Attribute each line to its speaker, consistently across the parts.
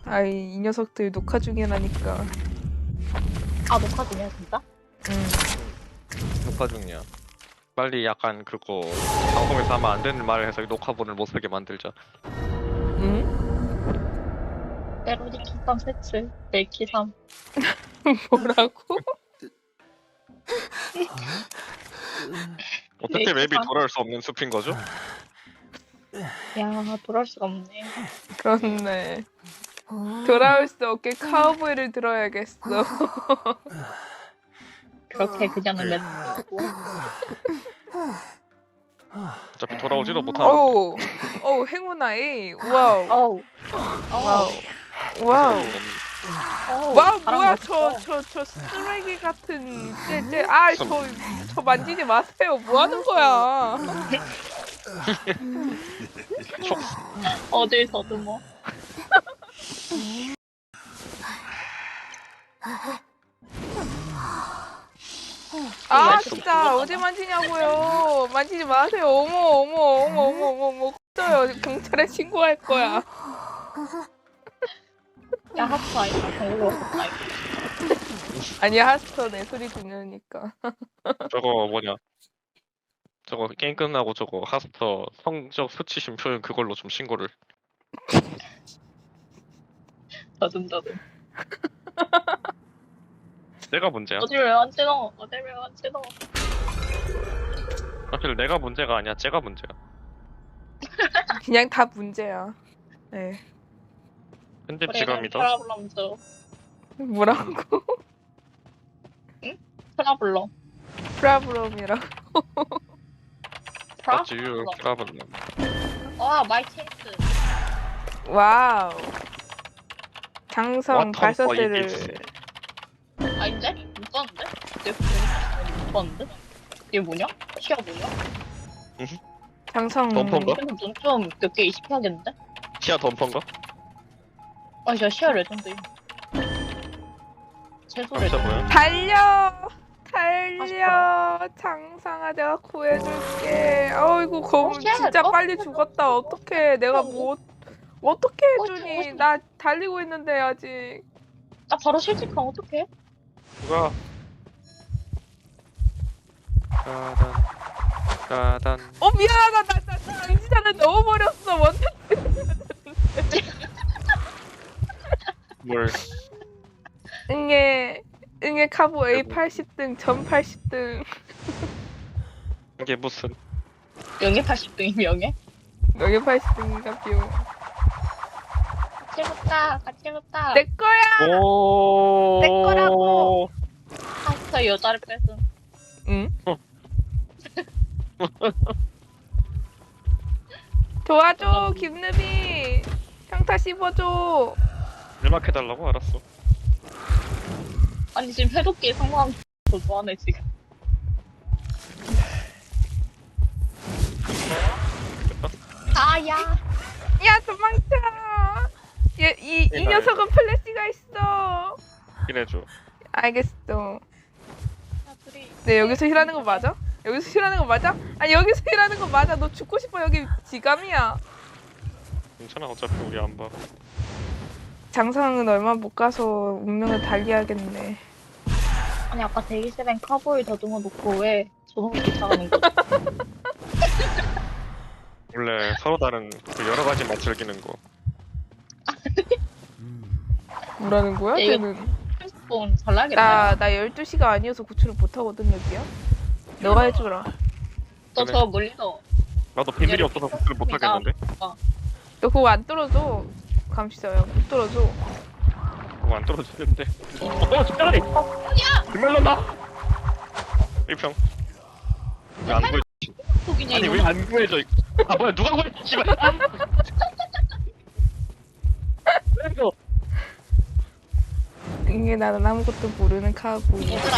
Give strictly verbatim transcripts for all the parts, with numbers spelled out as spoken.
Speaker 1: 아이 이 녀석들 녹화 중이라니까.
Speaker 2: 아 녹화 중이야 진짜?
Speaker 1: 응.
Speaker 3: 녹화 중이야. 빨리 약간 그거 방송에서 하면 안 되는 말을 해서 녹화본을 못 쓰게 만들자.
Speaker 1: 응?
Speaker 2: 때로니 키삼 세츠 멜키 삼.
Speaker 1: 뭐라고?
Speaker 3: 어떻게
Speaker 2: 네,
Speaker 3: 맵이
Speaker 2: 기상.
Speaker 3: 돌아올 수 없는 숲인 거죠?
Speaker 2: 야 돌아올 수가 없네.
Speaker 1: 그렇네. 돌아올 수 없게 카우보이를 들어야겠어.
Speaker 2: 그렇게 그냥은 맺고.
Speaker 3: 어차피 돌아오지도 못하는데.
Speaker 1: 어우, 어우 행운아이. 와우,
Speaker 2: 어우.
Speaker 1: 와우,
Speaker 2: 어우.
Speaker 1: 와우.
Speaker 2: 어우.
Speaker 1: 와
Speaker 2: 바람
Speaker 1: 뭐야
Speaker 2: 멋있어.
Speaker 1: 저 저 저 쓰레기 같은 쟤쟤 아저 저 만지지 마세요. 뭐 하는 거야?
Speaker 2: 어딜 더듬어.
Speaker 1: 아 진짜 어디 만지냐고요. 만지지 마세요. 어머 어머 어머 어머 어머 어머 꺼져요. 경찰에 신고할 거야.
Speaker 2: 야 하트 아이가 정글로 왔다.
Speaker 1: 아니야 하스터 내 소리 들으니까.
Speaker 3: 저거 뭐냐? 저거 게임 끝나고 저거 하스터 성적 수치심 표현 그걸로 좀 신고를.
Speaker 2: 더듬더듬.
Speaker 3: 내가 문제야.
Speaker 2: 어딜 왜 만지 넣어? 어딜 왜 만지 넣어?
Speaker 3: 사실 내가 문제가 아니야. 쟤가 문제야.
Speaker 1: 그냥 다 문제야. 네.
Speaker 3: 편집 지가 믿어.
Speaker 2: 트라블럼즈.
Speaker 1: 뭐라고?
Speaker 2: 트라블럼.
Speaker 1: 프라브롬이라고.
Speaker 3: 맞지 유 트라블럼.
Speaker 2: 와 마이 체이스.
Speaker 1: 와우. 장성
Speaker 3: What
Speaker 1: 발사대를
Speaker 3: the
Speaker 2: 아닌데? 못 봤는데? 내 보니까 못 봤는데? 이게 뭐냐? 시야 뭐냐?
Speaker 1: 장성
Speaker 3: 덤퍼인가?
Speaker 2: 근데 눈좀 몇 개 이식해야겠는데?
Speaker 3: 시야 덤퍼인가?
Speaker 2: 아 진짜 시야 레전드. 최소
Speaker 3: 진짜
Speaker 2: 레전드.
Speaker 3: 뭐야?
Speaker 1: 달려 달려 장상아 내가 구해줄게. 어이구 검
Speaker 2: 어, 쉣!
Speaker 1: 진짜
Speaker 2: 어?
Speaker 1: 빨리 죽었다. 어떡해 내가 뭐 어떻게
Speaker 2: 어,
Speaker 1: 해주니?
Speaker 2: 어,
Speaker 1: 나 달리고 있는데 아직.
Speaker 2: 나 바로 실직하면 어떡해?
Speaker 3: 누가? 따단 따단.
Speaker 1: 어 미안하다 나 나 장지자를 넣어버렸어. 원태
Speaker 3: 뭘?
Speaker 1: 응애 응애 카보 A 팔십 등 전 팔십 등.
Speaker 3: 이게 무슨?
Speaker 2: 영예 팔십 등이 명예?
Speaker 1: 여기 팔십 등인가 비용.
Speaker 2: 같이 해봤다 같이 해봤다.
Speaker 1: 내 거야.
Speaker 3: 오.
Speaker 1: 내 거라고.
Speaker 2: 하스터 여자를 뺏은.
Speaker 1: 응? 도와줘 김누비. 평타 씹어줘.
Speaker 3: 일막 해달라고 알았어.
Speaker 2: 아니 지금 해독기 상황 더 좋아하네 지금. 아야.
Speaker 1: 야 도망쳐. 얘, 이, 이 녀석은 플래시가 있어.
Speaker 3: 이래줘.
Speaker 1: 알겠어.
Speaker 2: 야 둘이.
Speaker 1: 네 여기서 힐하는 거 맞아? 여기서 힐하는 거 맞아? 아니 여기서 힐하는 거 맞아. 너 죽고 싶어. 여기 지감이야.
Speaker 3: 괜찮아 어차피 우리 안 봐.
Speaker 1: 장상은 얼마 못 가서 운명을 달리하겠네.
Speaker 2: 아니 아까 대기실엔 카보이 더듬어 놓고 왜 저놈이 쫓아가는 거지?
Speaker 3: 원래 서로 다른 그 여러 가지 맛 즐기는 거.
Speaker 1: 뭐라는 거야?
Speaker 2: 야, 이거-
Speaker 1: 쟤는.
Speaker 2: 핸드폰 잘 나겠다.
Speaker 1: 나, 나 열두 시가 아니어서 구출을 못하거든 여기야. 너가 해주라.
Speaker 2: 너
Speaker 3: 그래.
Speaker 2: 저 멀리서
Speaker 3: 나도 비밀이 없어서 복수를 못 하겠는데.
Speaker 1: 너 그거 안 뚫어줘. 감시자야 못 뚫어줘.
Speaker 3: 그거 안 떨어지는데. 어 진짜리.
Speaker 2: 야!
Speaker 3: 금멜런다. 일평. 왜 안 구해?
Speaker 2: 속이냐
Speaker 3: 아니
Speaker 2: 이거?
Speaker 3: 왜 안 구해져? 이거. 아 뭐야 누가 구해? 씨발. 왜 이거?
Speaker 1: 이게 나는 아무것도 모르는 카고.
Speaker 2: 얘들아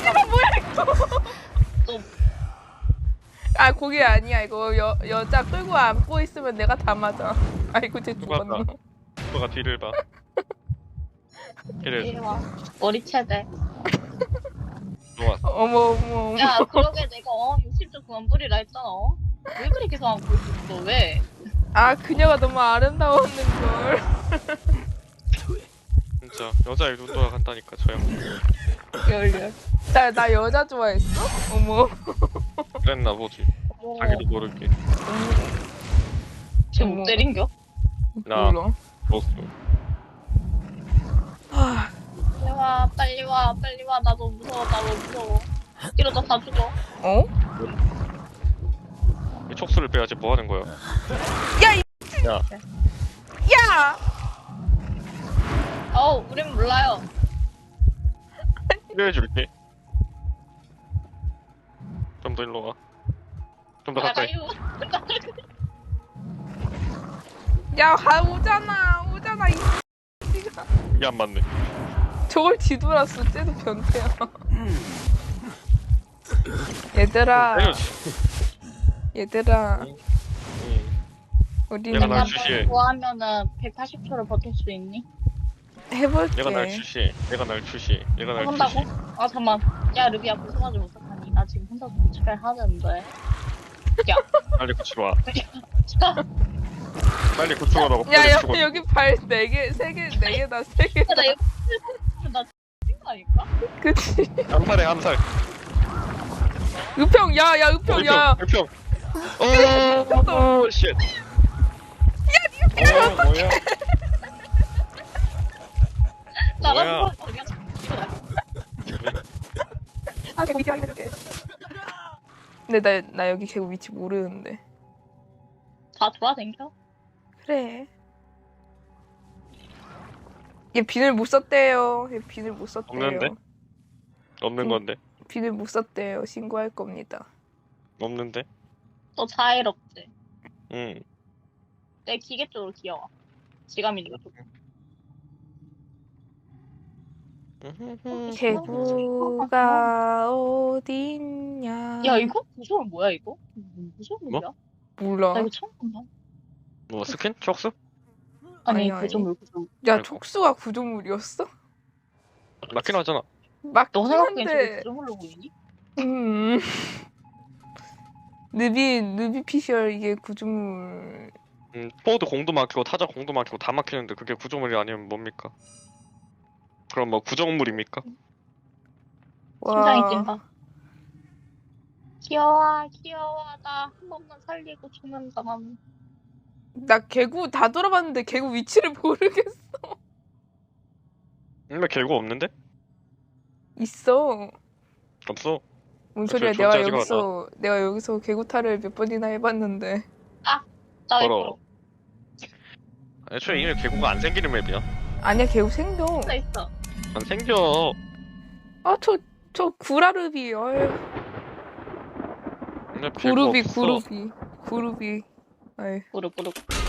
Speaker 1: 아 거기 아니야 이거 여 여자 끌고 안고 있으면 내가 다 맞아. 아이고 쟤
Speaker 3: 누가
Speaker 1: 죽었네.
Speaker 3: 누가 뒤를 봐. 이래.
Speaker 2: 이리 와. 머리 채대.
Speaker 3: 좋아.
Speaker 1: 어머 어머 어머.
Speaker 2: 야 그러게 내가 어 육십 점 그만 부리라 했잖아. 어? 왜 그렇게 계속 안고 있었어? 왜?
Speaker 1: 아 그녀가 너무 아름다웠는 걸.
Speaker 3: 진짜 여자애 눈 돌아간다니까 저 형.
Speaker 2: 열열.
Speaker 1: 나, 나 여자 좋아했어? 어머.
Speaker 3: 그랬나 보지. 자기도 모르게.
Speaker 2: 지금
Speaker 1: 어머.
Speaker 2: 못 때린겨?
Speaker 3: 나
Speaker 1: 몰라.
Speaker 3: 먹었어.
Speaker 1: 아,
Speaker 2: 빨리 와, 빨리 와, 빨리 와. 나 너무 무서워, 나 너무 무서워. 이러다 다 죽어.
Speaker 1: 어?
Speaker 3: 이 촉수를 빼야지 뭐 하는 거야?
Speaker 1: 야, 이,
Speaker 3: 야,
Speaker 1: 야!
Speaker 2: 어우, 우린 몰라요.
Speaker 3: 필요해줄게. 좀 더 일로 와. 좀 더
Speaker 2: 아, 나
Speaker 3: 가까이.
Speaker 2: 이거.
Speaker 1: 야, 가, 오잖아. 오잖아, 이 X가.
Speaker 3: 이게 안 맞네.
Speaker 1: 저걸 뒤돌았어. 쟤도 변태야. 얘들아,
Speaker 3: 때려지.
Speaker 1: 얘들아,
Speaker 3: 응.
Speaker 1: 우리
Speaker 3: 얘가 날
Speaker 2: 내가
Speaker 3: 주시해.
Speaker 2: 좋아하면은 백팔십 초를 버틸 수 있니?
Speaker 1: 해볼게.
Speaker 3: 얘가 날 추시해. 얘가 날 추시해. 얘가 날
Speaker 2: 한다고?
Speaker 3: 추시해.
Speaker 2: 아, 잠만. 야, 루비야, 벗어나지 못하니. 나 지금 혼자 집에 하는데. 야,
Speaker 3: 빨리 구치러 와.
Speaker 2: 자,
Speaker 3: 빨리 구치러 오라고.
Speaker 1: 야,
Speaker 3: 빨리
Speaker 1: 야,
Speaker 3: 죽어.
Speaker 1: 여기 발 네 개, 세 개, 네 개다, 세 개다.
Speaker 2: 나 이거 나 죽인 거 아닐까?
Speaker 1: 그치?
Speaker 3: 한 살에 한 살.
Speaker 1: 의평, 야, 야, 의평, 야.
Speaker 3: 일평. 어, 오, 쉣. 야, 니가 어, 뭐야?
Speaker 2: 나가
Speaker 3: 뭐야?
Speaker 2: 무서워. 그냥 이거 나
Speaker 1: 아, 개구 위치 확인해줄게. 근데 나, 나 여기 개구 위치 모르는데.
Speaker 2: 다 돌아댕겨?
Speaker 1: 그래. 얘 비늘 못 썼대요. 얘 비늘 못 썼대요.
Speaker 3: 없는데? 없는
Speaker 1: 응.
Speaker 3: 건데.
Speaker 1: 비늘 못 썼대요. 신고할 겁니다.
Speaker 3: 없는데.
Speaker 2: 또 자애롭지.
Speaker 3: 응.
Speaker 2: 내 기계 쪽으로 기어와. 지감이니까 좀.
Speaker 1: 개구가 어딨냐?
Speaker 2: 야, 이거? 구조물 뭐야, 이거? 구조물이야?
Speaker 1: 몰라.
Speaker 2: 나 이거 처음 본다.
Speaker 3: 뭐 스킨? 촉수?
Speaker 2: 아니,
Speaker 1: 아니, 아니.
Speaker 2: 구조물, 구조물.
Speaker 1: 야,
Speaker 3: 아이고.
Speaker 1: 촉수가 구조물이었어?
Speaker 3: 맞긴 하잖아.
Speaker 1: 맞긴
Speaker 2: 너 생각엔 저게
Speaker 1: 한데.
Speaker 2: 구조물로 보이니?
Speaker 1: 음. 느비 느비 피셜 이게 구조물.
Speaker 3: 음, 포워드 공도 막히고 타자 공도 막히고 다 막히는데 그게 구조물이 아니면 뭡니까? 그럼 뭐 구정물입니까?
Speaker 2: 심장이
Speaker 1: 와.
Speaker 2: 뛴다. 귀여워, 귀여워. 나 한 번만 살리고 죽는다, 나는.
Speaker 1: 나 개구 다 돌아봤는데 개구 위치를 모르겠어.
Speaker 3: 근데 개구 없는데?
Speaker 1: 있어.
Speaker 3: 없어.
Speaker 1: 뭔
Speaker 3: 저
Speaker 1: 소리야? 내가
Speaker 3: 존재하지가
Speaker 1: 여기서 내가 여기서 개구타를 몇 번이나 해봤는데.
Speaker 2: 나
Speaker 3: 더러워.
Speaker 2: 이거
Speaker 3: 애초에 이미 개구가 안 생기는 맵이야.
Speaker 1: 아니야, 개구 생겨.
Speaker 2: 혼자 있어.
Speaker 3: 안 생겨.
Speaker 1: 아, 저 저 구라르비. 어휴.
Speaker 3: 근데 개구
Speaker 1: 구루비
Speaker 3: 없어.
Speaker 1: 구루비 구루비. 아유.
Speaker 2: 무릎, 무릎.